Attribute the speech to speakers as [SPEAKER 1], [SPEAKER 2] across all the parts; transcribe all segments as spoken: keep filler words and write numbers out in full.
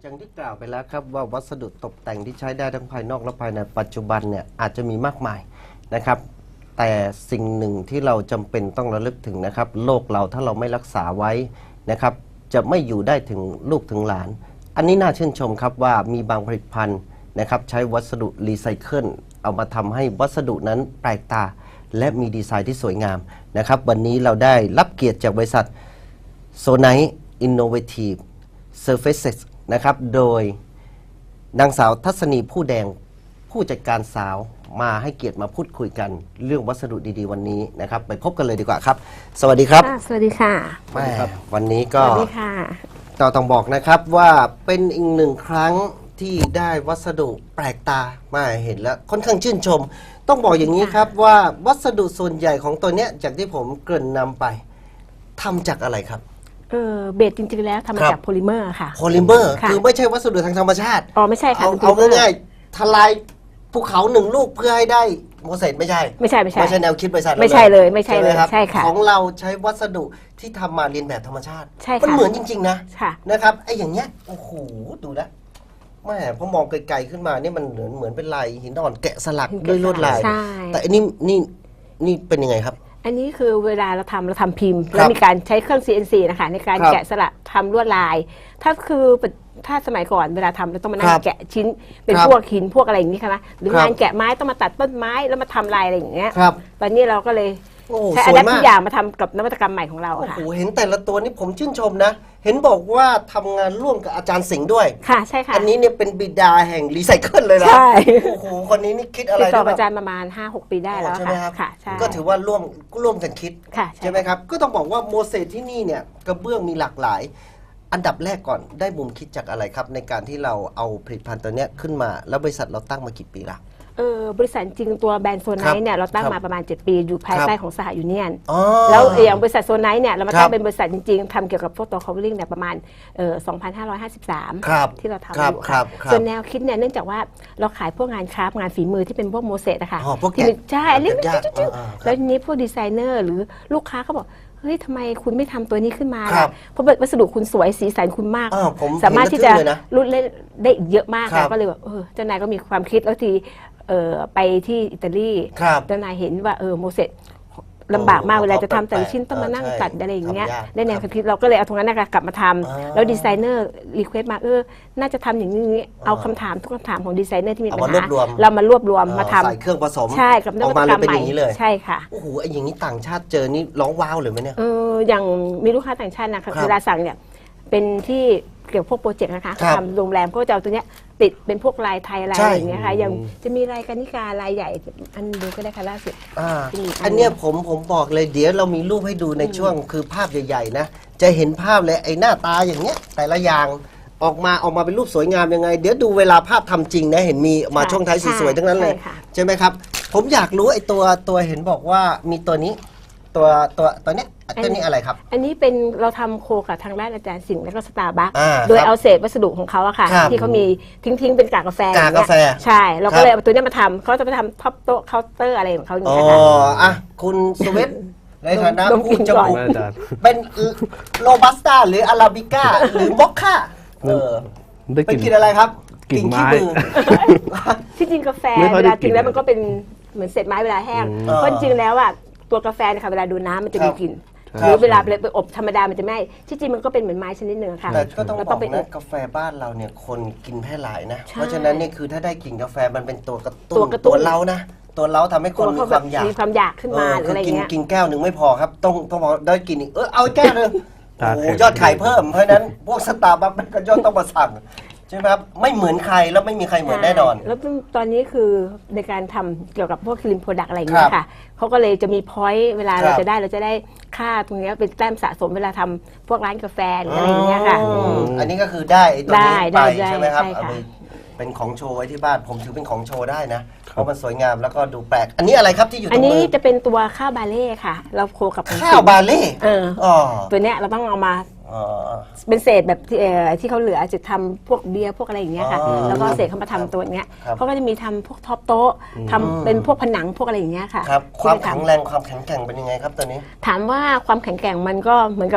[SPEAKER 1] อย่างที่กล่าวไปแล้วครับว่าวัสดุตกแต่งที่ใช้ได้ทั้งภายนอกและภายในปัจจุบันเนี่ยอาจจะมีมากมายนะครับแต่สิ่งหนึ่งที่เราจำเป็นต้องระลึกถึงนะครับโลกเราถ้าเราไม่รักษาไว้นะครับจะไม่อยู่ได้ถึงลูกถึงหลานอันนี้น่าชื่นชมครับว่ามีบางผลิตภัณฑ์นะครับใช้วัสดุรีไซเคิลเอามาทำให้วัสดุนั้นแปลกตาและมีดีไซน์ที่สวยงามนะครับวันนี้เราได้รับเกียรติจากบริษัท Sonite Innovative Surfaces นะครับโดยนางสาวทัศนีผู้แดงผู้จัดการสาวมาให้เกียรติมาพูดคุยกันเรื่องวัสดุดีๆวันนี้นะครับไปพบกันเลยดีกว่าครับสวัสดีครับ
[SPEAKER 2] สวัสดีค่ะ
[SPEAKER 1] แม่วันนี้ก็
[SPEAKER 2] สวัสดีค่ะ
[SPEAKER 1] ต่อต้องบอกนะครับว่าเป็นอีกหนึ่งครั้งที่ได้วัสดุแปลกตามาเห็นแล้วค่อนข้างชื่นชมต้องบอกอย่างนี้ครับว่าวัสดุส่วนใหญ่ของตัวเนี้ยจากที่ผมเกริ่นนำไปทำจากอะไรครับ
[SPEAKER 2] เออเบสจริงๆแล้วทำมาจากโพลิเมอร์ค่ะ
[SPEAKER 1] โพลิเมอร์คือไม่ใช่วัสดุทางธรรมชาติ
[SPEAKER 2] อ๋อไม่ใช่ค่ะ
[SPEAKER 1] เอาง่ายๆทลายภูเขาหนึ่งลูกเพื่อให้ได้โมเสสไม่ใช่
[SPEAKER 2] ไม่ใช่ไม่ใช่
[SPEAKER 1] ไม่ใช่แนวคิดบริษัท
[SPEAKER 2] ไม่ใช่เลยไม่ใช่เลยใช่ค่ะ
[SPEAKER 1] ของเราใช้วัสดุที่ทำมาเรียนแบบธรรมชาติ
[SPEAKER 2] ใช่ค่ะ
[SPEAKER 1] มันเหมือนจริงๆนะ
[SPEAKER 2] ค่ะ
[SPEAKER 1] นะครับไอ้อย่างเงี้ยโอ้โหดูนะแม่พอมองไกลๆขึ้นมานี่มันเหมือนเหมือนเป็นลายหินอ่อนแกะสลักด้วยลวดลายแต่อันนี้นี่นี่เป็นยังไงครับ
[SPEAKER 2] อันนี้คือเวลาเราทำเราทำพิมพ์แล้วมีการใช้เครื่อง ซี เอ็น ซี นะคะในการแกะสลักทำลวดลายถ้าคือถ้าสมัยก่อนเวลาทำเราต้องมานั่งแกะชิ้นเป็นพวกหินพวกอะไรอย่างนี้ค่ะนะหรืองานแกะไม้ต้องมาตัดต้นไม้แล้วมาทำลายอะไรอย่างเงี้ยตอนนี้เราก็เลยใช้อันทุกอย่างมาทำกับนวัตกรรมใหม่ของเราค่ะ
[SPEAKER 1] โอ้โหเห็นแต่ละตัวนี่ผมชื่นชมนะเห็นบอกว่าทำงานร่วมกับอาจารย์สิงห์ด้วย
[SPEAKER 2] ค่ะใช่ค่ะ
[SPEAKER 1] อันนี้เนี่ยเป็นบิดาแห่งรีไซเคิลเลยนะ
[SPEAKER 2] ใช่
[SPEAKER 1] โอ้โหคนนี้นี่คิดอะไร
[SPEAKER 2] ติดต่ออาจารย์ประมาณ ห้าหก ปีได้แล้วค่ะใช่
[SPEAKER 1] ก็ถือว่าร่วมร่วมกันคิด
[SPEAKER 2] ใช่
[SPEAKER 1] ไหมครับก็ต้องบอกว่าโมเสสที่นี่เนี่ยกระเบื้องมีหลากหลายอันดับแรกก่อนได้มุมคิดจากอะไรครับในการที่เราเอาผลิตภัณฑ์ตัวนี้ขึ้นมาแล้วบริษัทเราตั้งมากี่ปีละ
[SPEAKER 2] เออบริษัทจริงตัวแบรนด์โซนไนท์เนี่ยเราตั้งมาประมาณเจ็ดปีอยู่ภายใต้ของสหยูเนียนแล้วอย่างบริษัทโซนไนท์เนี่ยเรามาตั้งเป็นบริษัทจริงๆทำเกี่ยวกับพวกตัว covering เนี่ยประมาณเอ่อสองพันห้าร้อยห้าสิบสามที่เราทำอยู่ค่ะส่วนแนวคิดเนี่ยเนื่องจากว่าเราขายพวกงานคราฟต์งานฝีมือที่เป็นพวกโมเสสอะค่ะที่ใช่เล็กๆแล้วทีนี้พวกดีไซเนอร์หรือลูกค้าเขาบอกเฮ้ยทำไมคุณไม่ทำตัวนี้ขึ้นมาล่ะเพราะวัสดุคุณสวยสีสันคุณมากสามารถที่จะรุ่นเล่นได้เยอะมากแล้วก็เลยแบบเออเจ้านายก็มีความคิดแล้วทีเออไปที่อิตาลีเจ้านายเห็นว่าเออโมเสสลำบากมากเวลาจะทำแต่ละชิ้นต้องมานั่งตัดอะไรอย่างเงี้ยได้แนวคิดเราก็เลยเอาตรงนั้นกลับมาทำแล้วดีไซเนอร์รีเควสต์มาเออน่าจะทำอย่างนี้เอาคำถามทุกคำถามของดีไซเนอร์ที่มีปัญหาเรามารวบรวมมาทำ
[SPEAKER 1] ใส่เครื่องผสม
[SPEAKER 2] ใช่กับนวัตกรรมใหม่ใช่ค่ะ
[SPEAKER 1] โอ้โหไอ้อย่างนี้ต่างชาติเจอนี่ร้องว้าวเลยไหมเนี่ย
[SPEAKER 2] เอออย่างมีลูกค้าต่างชาตินะคะเวลาสั่งเนี่ยเป็นที่เกี่ยวกับพวกโปรเจกต์นะคะทำโรงแรมก็จะเอาตัวเนี้ยติดเป็นพวกลายไทยลายอะไรอย่างเงี้ยค่ะยังจะมีลายกนิกาลายใหญ่อันดูก็ได้ค่ะล่าสุด
[SPEAKER 1] อันเนี้ยผมผมบอกเลยเดี๋ยวเรามีรูปให้ดูในช่วงคือภาพใหญ่ๆนะจะเห็นภาพเลยไอ้หน้าตาอย่างเงี้ยแต่ละอย่างออกมาออกมาเป็นรูปสวยงามยังไงเดี๋ยวดูเวลาภาพทำจริงนะเห็นมีมาช่วงท้ายสวยๆทั้งนั้นเลยใช่ไหมครับผมอยากรู้ไอ้ตัวตัวเห็นบอกว่ามีตัวนี้ตัวตัวตัวเนี้ยตัวนี้อะไรครับ
[SPEAKER 2] อันนี้เป็นเราทำโคกับทางด้านอาจารย์สิงห์และก็สตาร์บัคโดยเอาเศษวัสดุของเขาอะค่ะที่เขามีทิ้งๆเป็นกากกาแฟ
[SPEAKER 1] กากกาแฟ
[SPEAKER 2] ใช่เราก็เลยเอาตัวนี้มาทำเขาจะไปทำท็อปโต๊ะเคาน์เตอร์อะไรของเขาอย่าง
[SPEAKER 1] นี้
[SPEAKER 2] ค่ะ
[SPEAKER 1] อ๋ออ่ะคุณสวิตในฐานะผู้จมูกเป็นโรบัสต้าหรืออาราบิก้าหรือมอคค่าเออเป็นกลิ่นอะไรครับ
[SPEAKER 3] กลิ่นไม้
[SPEAKER 2] ที่จริงกาแฟเวลากินแล้วมันก็เป็นเหมือนเศษไม้เวลาแห้งเพราะจริงแล้วอะตัวกาแฟนะคะเวลาดูน้ำมันจะมีกลิ่นหรือเวลาไปอบธรรมดามันจะไม่ที่จริงมันก็เป็นเหมือนไม้ชนิดหนึ่งค่ะ
[SPEAKER 1] แต่ก็ต้องบอกนะกาแฟบ้านเราเนี่ยคนกินแพร่หลายนะเพราะฉะนั้นเนี่ยคือถ้าได้กลิ่นกาแฟมันเป็นตัวกระตุ้นตัวเรานะตัวเราทำให้คนมีความอยาก
[SPEAKER 2] มีความอยากขึ้นมาอะไรเงี้ย
[SPEAKER 1] กินแก้วหนึ่งไม่พอครับต้องต้องบอกได้กินอีกเออเอาแก้วนึงโอ้ยอดขายเพิ่มเพราะฉะนั้นพวกสตาร์บัคมันก็ยอดต้องมาสั่งใช่ไหมครับไม่เหมือนใครแล้วไม่มีใครเหมือนแน่นอน
[SPEAKER 2] แล้วตอนนี้คือในการทำเกี่ยวกับพวกครีมโปรดักต์อะไรอย่างเงี้ยค่ะเขาก็เลยจะมีพอยต์เวลาเราจะได้เราจะได้ค่าตรงนี้เป็นแต้มสะสมเวลาทำพวกร้านกาแฟหรืออะไรอย่างเงี้ยค่ะ
[SPEAKER 1] อันนี้ก็คือได้ตัวนี้ไปใช่ไหมครับเป็นของโชว์ไว้ที่บ้านผมถือเป็นของโชว์ได้นะเพราะมันสวยงามแล้วก็ดูแปลกอันนี้อะไรครับที่อยู่ตรงมือ
[SPEAKER 2] อันนี้จะเป็นตัวข้าวบาเล่ค่ะเราโคกับ
[SPEAKER 1] ข้าวบาเล่
[SPEAKER 2] เออตัวเนี้ยเราต้องเอามาเป็นเศษแบบที่ที่เขาเหลือจะทำพวกเบียร์พวกอะไรอย่างเงี้ยค่ะแล้วก็เศษเขามาทำตัวเนี้ยเขาก็จะมีทำพวกท็อปโต๊ะทำเป็นพวกผนังพวกอะไรอย่างเงี้ยค่ะ
[SPEAKER 1] ครับความแข็งแรงความแข็งแกร่งเป็นยังไงครับตัวนี้
[SPEAKER 2] ถามว่าความแข็งแกร่งมันก็เหมือนกับ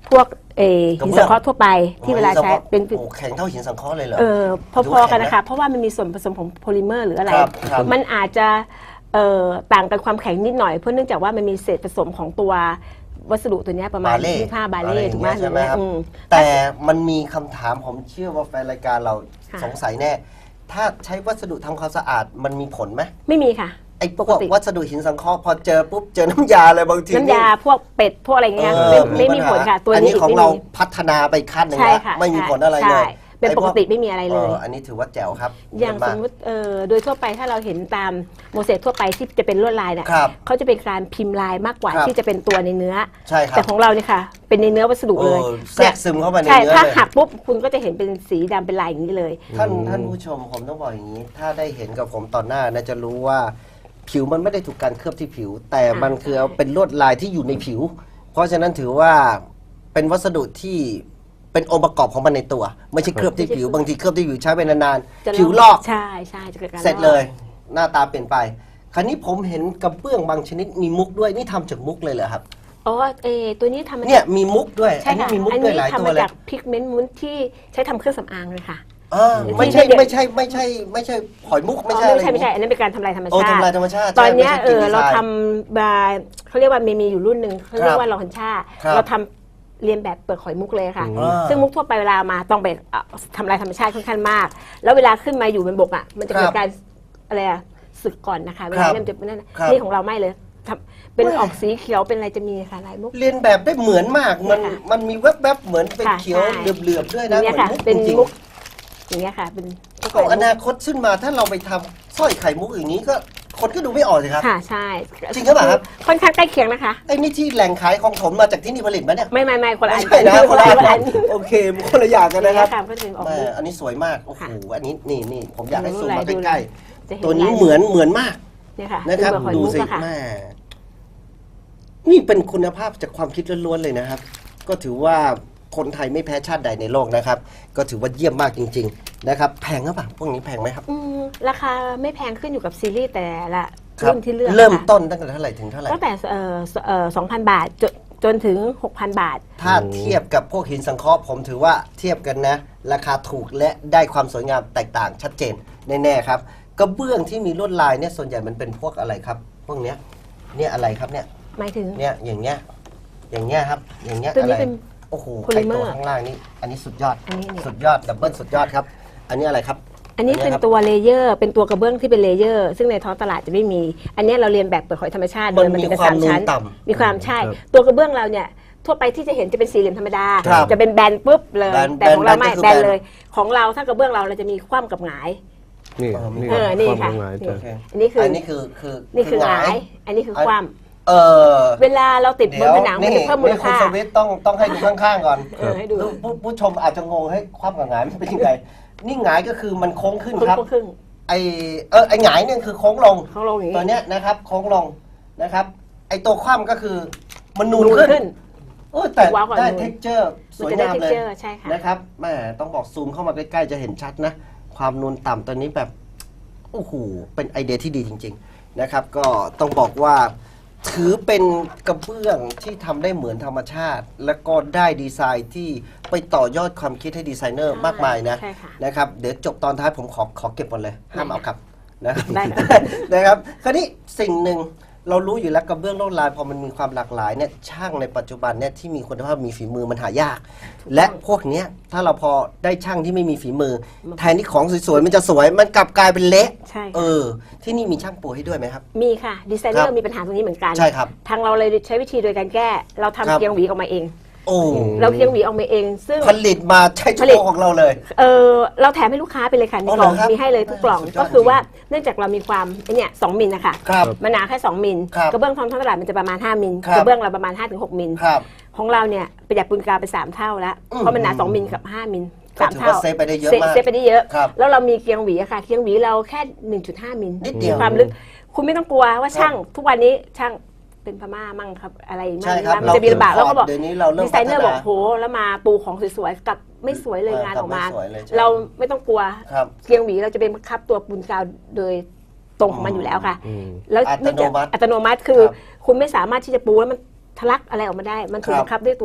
[SPEAKER 2] พวกเออหินสังเคราะห์ทั่วไปที่เวลาใช้เป็น
[SPEAKER 1] โอ้แข็งเท่าหินสังเคราะห์เลยเหรอ
[SPEAKER 2] เออพอๆกันนะคะเพราะว่ามันมีส่วนผสมของโพลิเมอร์หรืออะไร
[SPEAKER 1] ครับครับ
[SPEAKER 2] มันอาจจะเอ่อต่างกันความแข็งนิดหน่อยเพราะเนื่องจากว่ามันมีเศษผสมของตัววัสดุตัวเนี้ยประมาณ
[SPEAKER 1] บาเล่
[SPEAKER 2] ยี่สิบห้าบาเล่ถูกไหม
[SPEAKER 1] ใช่ไหมครับ
[SPEAKER 2] อืม
[SPEAKER 1] แต่มันมีคำถามผมเชื่อว่าแฟนรายการเรา
[SPEAKER 2] ค่ะ
[SPEAKER 1] สงสัยแน่ ถ้าใช้วัสดุทำความสะอาดมันมีผลไหม
[SPEAKER 2] ไม่มีค่ะ
[SPEAKER 1] ไอ้พ
[SPEAKER 2] ป
[SPEAKER 1] ว
[SPEAKER 2] ก
[SPEAKER 1] ก
[SPEAKER 2] ติ
[SPEAKER 1] วัสดุหินสังเคราะห์พอเจอปุ๊บเจอน้ำยาอะไรบางที
[SPEAKER 2] น้ำยาพวกเป็ดพวกอะไรเงี้ย
[SPEAKER 1] เอ
[SPEAKER 2] ไม่
[SPEAKER 1] อ
[SPEAKER 2] ไม่มี
[SPEAKER 1] ปัญ
[SPEAKER 2] ผ
[SPEAKER 1] หา
[SPEAKER 2] ลค่ะตัว
[SPEAKER 1] อัน
[SPEAKER 2] นี้
[SPEAKER 1] นี้ของ
[SPEAKER 2] ไม่
[SPEAKER 1] เรา
[SPEAKER 2] มี
[SPEAKER 1] พัฒนาไปขั้นหนึ่ง
[SPEAKER 2] ใช่
[SPEAKER 1] แล้ว
[SPEAKER 2] ค่ะ
[SPEAKER 1] ไม่มี
[SPEAKER 2] ใช่
[SPEAKER 1] ผลอะไรเลย
[SPEAKER 2] ใช่เป็น
[SPEAKER 1] ไอ้
[SPEAKER 2] ป
[SPEAKER 1] พว
[SPEAKER 2] กติไม่มีอะไรเลย
[SPEAKER 1] อออันนี้ถือว่าแจ๋วครับ
[SPEAKER 2] อย่าง
[SPEAKER 1] เม
[SPEAKER 2] สมมติเอ่อโดยทั่วไปถ้าเราเห็นตามโมเสสทั่วไปที่จะเป็นลวดลายเนี่ย
[SPEAKER 1] ครับ
[SPEAKER 2] เขาจะเป็นการพิมพ์ลายมากกว่า
[SPEAKER 1] ครับ
[SPEAKER 2] ที่จะเป็นตัวในเนื้อ
[SPEAKER 1] ใช่ครับ
[SPEAKER 2] แต่ของเราเนี่ยค่ะ เป็นในเนื้อวัสดุเลย
[SPEAKER 1] เออแทรกซึมเข้าไปใน
[SPEAKER 2] ใช่
[SPEAKER 1] เนื้อ
[SPEAKER 2] ถ้า
[SPEAKER 1] เลย
[SPEAKER 2] หักปุ๊บคุณก็จะเห็นเป็นสีดำเป็นลายอย่างนี้เลย
[SPEAKER 1] ท่านท่านผู้ชมผมต้องบอกอย่างนี้ ถ้าได้เห็นกับผมตอนหน้านะจะรู้ว่าผิวมันไม่ได้ถูกการเคลือบที่ผิว แต่มันคือเอาเป็นลวดลายที่อยู่ในผิว เพราะฉะนั้นถือว่าเป็นวัสดุที่เป็นองค์ประกอบของมันในตัว ไม่ใช่เคลือบที่ผิว บางทีเคลือบที่ผิวใช้ไปนาน
[SPEAKER 2] จะ
[SPEAKER 1] ๆผิวลอก
[SPEAKER 2] ใช่ใช่จะเกิดการ
[SPEAKER 1] เสร็จเลย หน้าตาเปลี่ยนไป คราวนี้ผมเห็นกระเบื้องบางชนิดมีมุกด้วยนี่ทำจากมุกเลยเหรอครับ
[SPEAKER 2] อ๋อเออตัวนี้ทำมา
[SPEAKER 1] เนี่ยมีมุกด้วย
[SPEAKER 2] ใช่
[SPEAKER 1] อันนี้
[SPEAKER 2] ค่ะ
[SPEAKER 1] มีมุก
[SPEAKER 2] อัน
[SPEAKER 1] ด้วย
[SPEAKER 2] นี้
[SPEAKER 1] หลาย
[SPEAKER 2] ทำ
[SPEAKER 1] ตัว
[SPEAKER 2] มา
[SPEAKER 1] เลย
[SPEAKER 2] จากพิกเมนต์มุ้นที่ใช้ทำเครื่องสำอางเลยค่ะ
[SPEAKER 1] อ่าไม่ใช่ไม่ใช่ไม่ใช่ไม่ใช่หอยมุกไม่ใช่
[SPEAKER 2] อ๋อ
[SPEAKER 1] อะไร
[SPEAKER 2] ไม่ใช่ไม่ใช่อันนั้นเป็นการทำลายธรรม
[SPEAKER 1] โอ้
[SPEAKER 2] ชาติ
[SPEAKER 1] ทำลายธรรมชาติ
[SPEAKER 2] ตอนเนี้ย
[SPEAKER 1] ใช่
[SPEAKER 2] เอ
[SPEAKER 1] ไม่ใช่
[SPEAKER 2] อเรา
[SPEAKER 1] ดีไซน์
[SPEAKER 2] ทำมาเขาเรียกว่ามีมีอยู่รุ่นหนึ่งเขาเรียกว่าลอฮันชา
[SPEAKER 1] ครับ
[SPEAKER 2] เราทำเรียนแบบเปลือกหอยมุกเลยค่ะ
[SPEAKER 1] อ่า
[SPEAKER 2] ซึ่งมุกทั่วไปเวลามาต้องไปเอ่อทำลายธรรมชาติค่อนข้างมาก แล้วเวลาขึ้นมาอยู่บนบกอ่ะมันจะเกิ
[SPEAKER 1] ครั
[SPEAKER 2] ด
[SPEAKER 1] บ
[SPEAKER 2] การสึกอะไรอะสึกก่อนนะคะเว
[SPEAKER 1] ครั
[SPEAKER 2] ลา
[SPEAKER 1] บ
[SPEAKER 2] เริ่มจะนั่นน่ะ
[SPEAKER 1] ครับ
[SPEAKER 2] นี่ของเราไม่เลยทำเป็น
[SPEAKER 1] ไม่
[SPEAKER 2] ออกสีเขียวเป็นอะไรจะมีค่ะลายมุก
[SPEAKER 1] เรียนแบบได้เหมือนมาก มัน
[SPEAKER 2] ค่ะ
[SPEAKER 1] มันมีแวบๆเหมือนเป็น
[SPEAKER 2] ค่ะ
[SPEAKER 1] เขียว
[SPEAKER 2] ใช่
[SPEAKER 1] เหลือบๆด้วย
[SPEAKER 2] อ
[SPEAKER 1] นะ
[SPEAKER 2] ย่าง
[SPEAKER 1] เห
[SPEAKER 2] เงี้ย
[SPEAKER 1] มือน
[SPEAKER 2] ค่ะ
[SPEAKER 1] มุก
[SPEAKER 2] เป็น
[SPEAKER 1] จริง
[SPEAKER 2] มุกอย่างเงี้ยค่ะเป็นมุก
[SPEAKER 1] ๆก็อนาคตขึ้นมาถ้าเราไปทำสร้อยไข่มุกอย่างนี้ก็คนก็ดูไม่ออกเลยครับ
[SPEAKER 2] ค่ะใช่
[SPEAKER 1] จริงหรือเปล่าครับ
[SPEAKER 2] ค่อนข้างใกล้เคียงนะคะ
[SPEAKER 1] ไอ้นี่ที่แหล่งขายของผมมาจากที่นี่ผลิตไหมเนี่ย
[SPEAKER 2] ไม่ไม่ไม่คนละอัน
[SPEAKER 1] ไม่ใช่นะ
[SPEAKER 2] ค
[SPEAKER 1] คน
[SPEAKER 2] น
[SPEAKER 1] ละ
[SPEAKER 2] ละ
[SPEAKER 1] อัน
[SPEAKER 2] คนละอัน
[SPEAKER 1] โอเคคนละอย่างกันนะครับ
[SPEAKER 2] ค่ะก็จะออก
[SPEAKER 1] แม่
[SPEAKER 2] มุก
[SPEAKER 1] อันนี้สวยมากโอ้โห
[SPEAKER 2] ค่ะ
[SPEAKER 1] อันนี้นี่นี่ผมอยากให้
[SPEAKER 2] ดู
[SPEAKER 1] ซูม
[SPEAKER 2] ลาย
[SPEAKER 1] มา
[SPEAKER 2] ดู
[SPEAKER 1] ใกล้
[SPEAKER 2] จะเห็
[SPEAKER 1] ๆตัวนี้
[SPEAKER 2] ลาย
[SPEAKER 1] เหมือนเหมือนมาก
[SPEAKER 2] เนี่ยค่ะ
[SPEAKER 1] นะครับ
[SPEAKER 2] เป็นเปลือกหอย
[SPEAKER 1] ดู
[SPEAKER 2] มุก
[SPEAKER 1] สิ
[SPEAKER 2] อะค่ะ
[SPEAKER 1] แม่นี่เป็นคุณภาพจากความคิดล้วนๆเลยนะครับ ก็ถือว่าคนไทยไม่แพ้ชาติใดในโลกนะครับ ก็ถือว่าเยี่ยมมากจริง ๆ นะครับ แพงหรือเปล่าพวกนี้แพงไหมครับ
[SPEAKER 2] อืมราคาไม่แพงขึ้นอยู่กับซีรีส์แต่ละ
[SPEAKER 1] ครับ
[SPEAKER 2] รุ่นที่เลือก
[SPEAKER 1] เริ่ม
[SPEAKER 2] ค่ะ
[SPEAKER 1] ต้นตั้งแต่เท่าไหร่ถึงเท่าไหร่
[SPEAKER 2] ตั้งแต่เอ่อเอ่อสองพันบาทจนจนถึงหกพันบาท
[SPEAKER 1] ถ้าเทียบกับพวกหินสังเคราะห์ผมถือว่าเทียบกันนะ ราคาถูกและได้ความสวยงามแตกต่างชัดเจนแน่ๆครับกระเบื้องที่มีลวดลายเนี่ยส่วนใหญ่มันเป็นพวกอะไรครับ พวกเนี้ยเนี่ยอะไรครับเนี่ย
[SPEAKER 2] หมายถึง
[SPEAKER 1] เนี่ยอย่างเงี้ยอย่างเงี้ยครับอย่างเงี้ย
[SPEAKER 2] ตัว
[SPEAKER 1] อะ
[SPEAKER 2] นี้
[SPEAKER 1] ไร
[SPEAKER 2] เป็น
[SPEAKER 1] โอ้โห
[SPEAKER 2] โพลิ
[SPEAKER 1] ไอ
[SPEAKER 2] เมอ
[SPEAKER 1] ตัว
[SPEAKER 2] ร์
[SPEAKER 1] ข้างล่างนี่อันนี้สุดยอด
[SPEAKER 2] อันนี้เนี่ย
[SPEAKER 1] สุดยอดดับเบิลสุดยอดครับ อันนี้อะไรครับ
[SPEAKER 2] อันนี้เป็น
[SPEAKER 1] ครับ
[SPEAKER 2] ตัวเลเยอร์เป็นตัวกระเบื้องที่เป็นเลเยอร์ซึ่งในท้องตลาดจะไม่มี อันนี้เราเรียนแบบเปลือกหอยธรรมชาติ
[SPEAKER 1] มัน
[SPEAKER 2] เดิ
[SPEAKER 1] มี
[SPEAKER 2] จะเป็น
[SPEAKER 1] ความ
[SPEAKER 2] สามชั้น
[SPEAKER 1] นูนต่ำ
[SPEAKER 2] มีความใช่
[SPEAKER 3] ครับ
[SPEAKER 2] ตัวกระเบื้องเราเนี่ยทั่วไปที่จะเห็นจะเป็นสี่เหลี่ยมธรรมดา
[SPEAKER 1] ครับ
[SPEAKER 2] จะเป็นแบนปุ๊บเลย
[SPEAKER 1] แบน
[SPEAKER 2] แต่ของเราไม่
[SPEAKER 1] แบนก็คือ
[SPEAKER 2] แบน
[SPEAKER 1] แบน
[SPEAKER 2] เลย ของเราถ้ากระเบื้องเราเราจะมีคว่ำกับหงาย
[SPEAKER 3] นี่
[SPEAKER 1] เออ
[SPEAKER 3] นี่
[SPEAKER 2] เออนี่
[SPEAKER 3] ความ
[SPEAKER 2] ค่ะ
[SPEAKER 3] หมาย
[SPEAKER 2] นี่
[SPEAKER 3] จ้ะ
[SPEAKER 1] โอเค
[SPEAKER 2] อันนี้คือ
[SPEAKER 1] อั
[SPEAKER 2] อน
[SPEAKER 1] นี้คือคือ
[SPEAKER 2] นี่คือหงาย
[SPEAKER 1] ย
[SPEAKER 2] อันนี้คือคว่ำ
[SPEAKER 1] เออ
[SPEAKER 2] เวลาเราติดบนผนังมันจะเพิ่มมูล
[SPEAKER 1] นี่คุณ
[SPEAKER 2] ค่า
[SPEAKER 1] สวิตต้องต้องให้ดูข้างๆก่อน
[SPEAKER 2] เออให้ดู
[SPEAKER 1] ผู้ผู้ชมอาจจะงงให้ความกับหงายมันเป็นยังไงนี่หงายก็คือมันโค้งขึ้น
[SPEAKER 2] ครึ่ง
[SPEAKER 1] ครับ
[SPEAKER 2] ครึ่ง
[SPEAKER 1] ไอเออไอหงายเนี่ยคือโค้งลง
[SPEAKER 2] ของลงอย่าง
[SPEAKER 1] ตัว
[SPEAKER 2] นี้
[SPEAKER 1] เนี้ยนะครับโค้งลงนะครับ ไอตัวคว่ำก็คือมันนูน
[SPEAKER 2] นูน
[SPEAKER 1] ขึ้น
[SPEAKER 2] ขึ้น
[SPEAKER 1] โอ้แต่
[SPEAKER 2] ว้าวกว่า
[SPEAKER 1] ได้
[SPEAKER 2] นูน
[SPEAKER 1] เท็กเจอร์ส
[SPEAKER 2] มัน
[SPEAKER 1] วย
[SPEAKER 2] จะได้
[SPEAKER 1] งาม
[SPEAKER 2] เท็ก
[SPEAKER 1] เลย
[SPEAKER 2] เจอร์ใช่ค่ะ
[SPEAKER 1] นะครับแม่ต้องบอกซูมเข้ามาใกล้ๆจะเห็นชัดนะ ความนูนต่ำตัวนี้แบบโอ้โหเป็นไอเดียที่ดีจริง ๆนะครับ ก็ต้องบอกว่าถือเป็นกระเบื้องที่ทำได้เหมือนธรรมชาติ แล้วก็ได้ดีไซน์ที่ไปต่อยอดความคิดให้ดีไซเนอร์มากมายนะ
[SPEAKER 2] ใช่ค่ะ
[SPEAKER 1] นะครับเดี๋ยวจบตอนท้ายผมขอขอเก็บหมดเลยห้ามเอากลับนะครับ
[SPEAKER 2] ได้ค่ะ
[SPEAKER 1] นะครับคราวนี้สิ่งหนึ่งเรารู้อยู่แล้วกระเบื้องลวดลายพอมันมีความหลากหลายเนี่ยช่างในปัจจุบันเนี่ยที่มีคุณภาพมีฝีมือมันหายาก และพวกเนี้ยถ้าเราพอได้ช่างที่ไม่มีฝีมือ แทนที่ของสวยๆมันจะสวยมันกลับกลายเป็นเละ
[SPEAKER 2] ใช่
[SPEAKER 1] เอ
[SPEAKER 2] ค่ะ
[SPEAKER 1] อที่นี่มีช่างปูให้ด้วยไหมครับ
[SPEAKER 2] มีค่ะดีไซเนอ
[SPEAKER 1] ครั
[SPEAKER 2] ร์
[SPEAKER 1] บ
[SPEAKER 2] มีปัญหาตรงนี้เหมือนกัน
[SPEAKER 1] ใช่ครับ
[SPEAKER 2] ทางเราเลยใช้วิธีโดยการแก้ เราทำ
[SPEAKER 1] ครับ
[SPEAKER 2] เกียงหวีออกมาเอง
[SPEAKER 1] โอ้
[SPEAKER 2] เราเกียงหวีออกมาเอง ซึ่ง
[SPEAKER 1] ผลิตมาใช้เฉ
[SPEAKER 2] ผลิต
[SPEAKER 1] พาะของเราเลย
[SPEAKER 2] เออเราแถมให้ลูกค้าไปเลยค่ะใน
[SPEAKER 1] อ๋อก
[SPEAKER 2] ล่อง
[SPEAKER 1] เหรอครับ
[SPEAKER 2] มีให้เลยทุกกล่อง
[SPEAKER 1] สุดยอด
[SPEAKER 2] ก็คือว่าเนื่องจากเรามีความไอ้เนี่ยสองมิลนะคะ
[SPEAKER 1] ครับ
[SPEAKER 2] มันหนาแค่สองมิล
[SPEAKER 1] ครับ
[SPEAKER 2] กระเบื้องท้องตลาดมันจะประมาณห้ามิล
[SPEAKER 1] ครับ
[SPEAKER 2] กระเบื้องเราประมาณห้าถึงหกมิล
[SPEAKER 1] ครับ
[SPEAKER 2] ของเราเนี่ยประหยัดปูนกาวไปสามเท่าแล้ว
[SPEAKER 1] อืม
[SPEAKER 2] เพราะมันหนาสองมิลกับห้ามิล
[SPEAKER 1] ก็
[SPEAKER 2] สาม
[SPEAKER 1] ถือ
[SPEAKER 2] เท่า
[SPEAKER 1] ว่าเซฟไปได้เยอะ
[SPEAKER 2] เซฟ
[SPEAKER 1] มาก
[SPEAKER 2] เซฟไปได้เยอะ
[SPEAKER 1] ครับ
[SPEAKER 2] แล้วเรามีเกียงหวีอะค่ะเกียงหวีเราแค่ หนึ่งจุดห้ามิล
[SPEAKER 1] นิดเดียว
[SPEAKER 2] ความลึกคุณไม่ต้องกลัวว่าช่างทุกวันนี้ช่างเป็นพม่ามั่งครับอะไรมั่
[SPEAKER 1] ใช่
[SPEAKER 2] ง
[SPEAKER 1] ครับ
[SPEAKER 2] มันจะมีลำบาก
[SPEAKER 1] เรา
[SPEAKER 2] แล้วก็บอก
[SPEAKER 1] เดี๋ยวนี้เราเริ่ม
[SPEAKER 2] ดีไซเนอร์
[SPEAKER 1] พัฒนา
[SPEAKER 2] บอกโหแล้วมาปูของสวยๆกลับไม่สวยเลยงานออกมา
[SPEAKER 1] กลับไม่สวยเลยใช่
[SPEAKER 2] เราไม่ต้องกลัว
[SPEAKER 1] ครับ
[SPEAKER 2] เกียงหวีเราจะเป็นบังคับตัวปูนกาวโดยตรงของมันอยู่แล้วค่ะ
[SPEAKER 3] อืม
[SPEAKER 2] แล้ว
[SPEAKER 1] อัต
[SPEAKER 2] เนื่อง
[SPEAKER 1] โน
[SPEAKER 2] จาก
[SPEAKER 1] มัติ
[SPEAKER 2] อัตโนมัติคือ
[SPEAKER 1] ครับ
[SPEAKER 2] คุณไม่สามารถที่จะปูแล้วมันทะลักอะไรออกมาได้ มันถูก
[SPEAKER 1] ครับ
[SPEAKER 2] บังคับด้วยตัว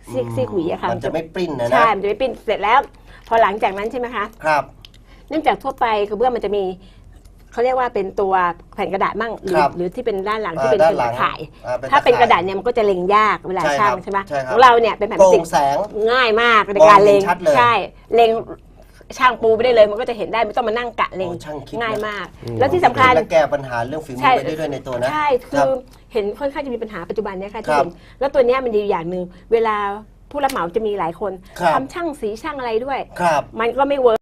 [SPEAKER 2] ซีกซีกหวีอะค่ะ
[SPEAKER 1] มันจะไม่ปริ้นนะนะ
[SPEAKER 2] ใช่มันจะไม่ปริ้นเสร็จแล้ว พอหลังจากนั้นใช่ไหมคะ
[SPEAKER 1] ครับ
[SPEAKER 2] เนื่องจากทั่วไปกระเบื้องมันจะมีเขาเรียกว่าเป็นตัวแผ่นกระดาษมั่งหรือ
[SPEAKER 1] ครับ
[SPEAKER 2] หรือที่เป็นด้านหลัง
[SPEAKER 1] อ่า
[SPEAKER 2] ที่เป็น
[SPEAKER 1] ด้านหลัง
[SPEAKER 2] ตะข่าย
[SPEAKER 1] อ่าเป็น
[SPEAKER 2] ถ้าเป็น
[SPEAKER 1] ตะข่าย
[SPEAKER 2] กระดาษเนี่ยมันก็จะเล็งยากเวลา
[SPEAKER 1] ใช่
[SPEAKER 2] ช่าง
[SPEAKER 1] ครับ
[SPEAKER 2] ใช่ไหม
[SPEAKER 1] ใช่ครับ
[SPEAKER 2] ของเราเนี่ยเป็นแผ่นพ
[SPEAKER 1] โป
[SPEAKER 2] ลาสติ
[SPEAKER 1] ร่
[SPEAKER 2] ก
[SPEAKER 1] งแสง
[SPEAKER 2] ง่ายมากในการเล็ง
[SPEAKER 1] มองเห็นชัดเลย
[SPEAKER 2] ใช่เล็งช่างปูไปได้เลยมันก็จะเห็นได้ไม่ต้องมานั่งกะเล็ง
[SPEAKER 1] โอ้ช่างคิด
[SPEAKER 2] ง่าย
[SPEAKER 1] นะ
[SPEAKER 2] มาก แล้วที่สำคัญ
[SPEAKER 1] และแก้ปัญหาเรื่องฝีมื
[SPEAKER 2] ใช่
[SPEAKER 1] อไปได้ด้วยในตัวนะ
[SPEAKER 2] ใช่ คื
[SPEAKER 1] รั
[SPEAKER 2] อบ เห็นค่อนข้างจะมีปัญหาปัจจุบันเนี่ยค่ะ
[SPEAKER 1] ค
[SPEAKER 2] ที่
[SPEAKER 1] รับ
[SPEAKER 2] เห็นแล้วตัวเนี้ยมันดีอย่างหนึ่งเวลาผู้รับเหมาจะมีหลายคน
[SPEAKER 1] ครับ
[SPEAKER 2] ทำช่างสีช่างอะไรด้วย
[SPEAKER 1] ครับ
[SPEAKER 2] มันก็ไม่เวิร์ก